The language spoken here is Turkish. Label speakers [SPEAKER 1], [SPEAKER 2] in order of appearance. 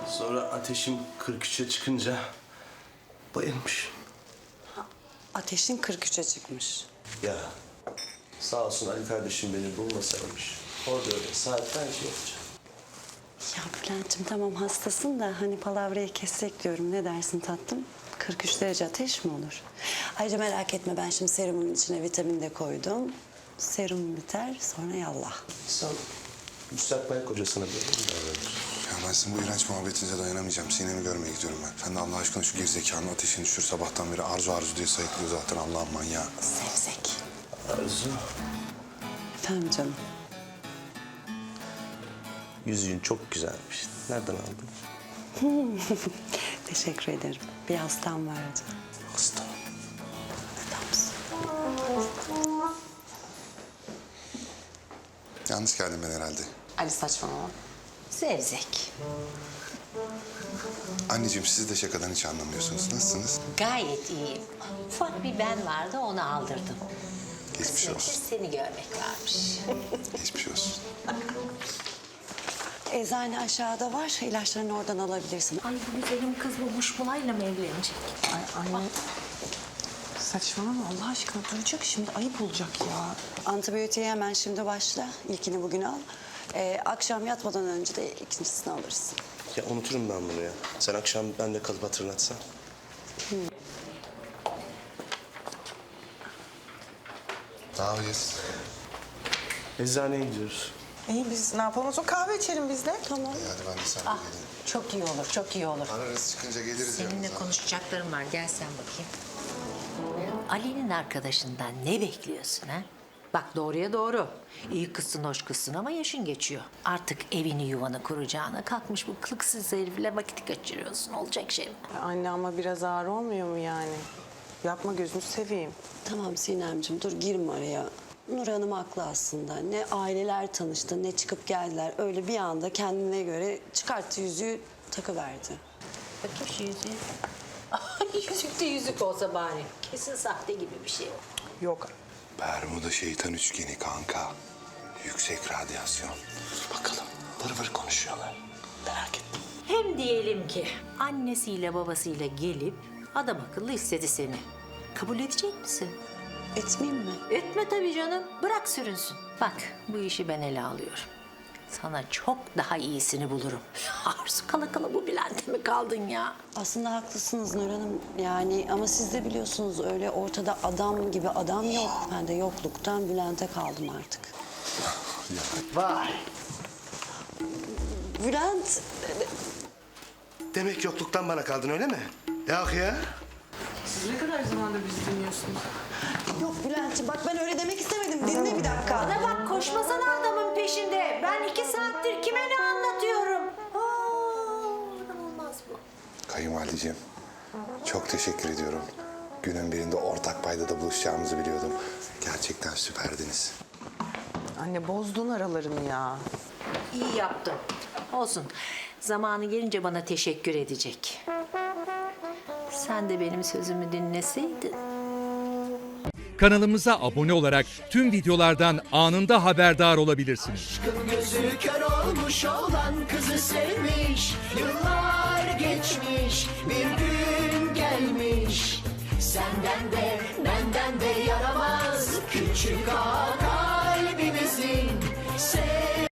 [SPEAKER 1] Sonra ateşim 43'e çıkınca bayılmış.
[SPEAKER 2] Ateşin 43'e çıkmış.
[SPEAKER 1] Ya sağ olsun Ali kardeşim beni bulmasaymış. Orada öyle saatlerce yatacağım.
[SPEAKER 2] Ya Bülent'ciğim tamam hastasın da hani palavrayı kessek diyorum. Ne dersin tatlım? 43 derece ateş mi olur? Ayrıca merak etme ben şimdi serumun içine vitamin de koydum. Serum biter sonra yallah.
[SPEAKER 1] Sen müstakbel kocasına böyle mi davranıyorsun?
[SPEAKER 3] Ya ben sizin bu iğrenç muhabbetinize dayanamayacağım. Sinem'i görmeye gidiyorum ben. Sen de Allah aşkına şu gerizekalı ateşini düşür. Sabahtan beri arzu diye sayıklıyor zaten Allah'ın manyağı.
[SPEAKER 2] Sevzek.
[SPEAKER 1] Arzu,
[SPEAKER 2] Efendim canım.
[SPEAKER 1] yüzüğün çok güzelmiş. Nereden aldın?
[SPEAKER 2] Teşekkür ederim. Bir hastam vardı.
[SPEAKER 1] Hasta.
[SPEAKER 2] Adamsın.
[SPEAKER 3] Yanlış geldim ben herhalde.
[SPEAKER 2] Ali saçmalama.
[SPEAKER 4] Zevzek.
[SPEAKER 3] Anneciğim siz de şakadan hiç anlamıyorsunuz. Nasılsınız?
[SPEAKER 4] Gayet iyiyim. Ufak bir ben vardı, onu aldırdım.
[SPEAKER 3] Geçmiş
[SPEAKER 4] Kısmetse
[SPEAKER 3] olsun.
[SPEAKER 4] seni görmek varmış.
[SPEAKER 3] Geçmiş olsun.
[SPEAKER 2] Eczane aşağıda var. İlaçlarını oradan alabilirsin.
[SPEAKER 4] Ay bu güzelim kız bu Muşmula'yla mı evlenecek?
[SPEAKER 5] Ay anne. Saçmalama Allah aşkına duyacak şimdi ayıp olacak ya.
[SPEAKER 2] Antibiyotiğe hemen şimdi başla. İlkini bugün al. Akşam yatmadan önce de ikincisini alırsın.
[SPEAKER 1] Ya unuturum ben bunu ya. Sen akşam ben de kalıp hatırlatsan.
[SPEAKER 3] Ne yapacağız?
[SPEAKER 1] Eczaneye gidiyoruz.
[SPEAKER 5] İyi biz ne yapalım o zaman kahve içelim biz de.
[SPEAKER 2] Tamam.
[SPEAKER 3] Hadi ben de sen de
[SPEAKER 4] Ah,
[SPEAKER 3] geleyim.
[SPEAKER 4] çok iyi olur, çok iyi olur.
[SPEAKER 3] Ararız çıkınca geliriz
[SPEAKER 4] Seninle
[SPEAKER 3] yanınıza.
[SPEAKER 4] konuşacaklarım var, gel sen bakayım. Ali'nin arkadaşından ne bekliyorsun ha? Bak doğruya doğru. İyi kızsın, hoş kızsın ama yaşın geçiyor. Artık evini yuvanı kuracağına kalkmış bu kılıksız herifle vakit kaçırıyorsun. Olacak şey mi?
[SPEAKER 5] Anne ama biraz ağır olmuyor mu yani? Yapma gözünü seveyim.
[SPEAKER 2] Tamam Sinemciğim dur girme araya. Nur Hanım haklı aslında. Ne aileler tanıştı ne çıkıp geldiler. Öyle bir anda kendine göre çıkarttı yüzüğü takıverdi.
[SPEAKER 4] Bakayım şu yüzüğü. Yüzük de yüzük olsa bari. Kesin sahte gibi bir şey.
[SPEAKER 5] Yok.
[SPEAKER 3] Bermuda şeytan üçgeni kanka. Yüksek radyasyon.
[SPEAKER 1] Bakalım vır vır konuşuyorlar. Merak ettim.
[SPEAKER 4] Hem diyelim ki annesiyle babasıyla gelip adam akıllı istedi seni. Kabul edecek misin?
[SPEAKER 2] Etmeyeyim mi?
[SPEAKER 4] Etme tabii canım. Bırak sürünsün. Bak bu işi ben ele alıyorum. Sana çok daha iyisini bulurum. Arzu kala kala bu Bülent'e mi kaldın ya?
[SPEAKER 2] Aslında haklısınız Nur Hanım. Yani ama siz de biliyorsunuz öyle ortada adam gibi adam yok. Ben de yokluktan Bülent'e kaldım artık.
[SPEAKER 1] Vay.
[SPEAKER 2] Bülent
[SPEAKER 1] Demek yokluktan bana kaldın öyle mi? Yok ya.
[SPEAKER 5] Siz ne kadar zamandır bizi dinliyorsunuz?
[SPEAKER 2] yok Bülent'ciğim bak ben öyle demek istemedim. Dinle bir dakika.
[SPEAKER 4] Bana bak koşmasana adamın peşinde. Ben 2 saattir kime ne anlatıyorum? Adam olmaz bu.
[SPEAKER 3] Kayınvalideciğim çok teşekkür ediyorum. Günün birinde ortak paydada buluşacağımızı biliyordum. Gerçekten süperdiniz.
[SPEAKER 5] Anne bozdun aralarını ya.
[SPEAKER 4] İyi yaptın. Olsun. Zamanı gelince bana teşekkür edecek. Sen de benim sözümü dinleseydin.
[SPEAKER 6] Kanalımıza abone olarak tüm videolardan anında haberdar olabilirsiniz.
[SPEAKER 7] Aşkın gözü kör olmuş olan kızı sevmiş. Yıllar geçmiş bir gün gelmiş. Senden de benden de yaramaz küçük ağa kalbimizin.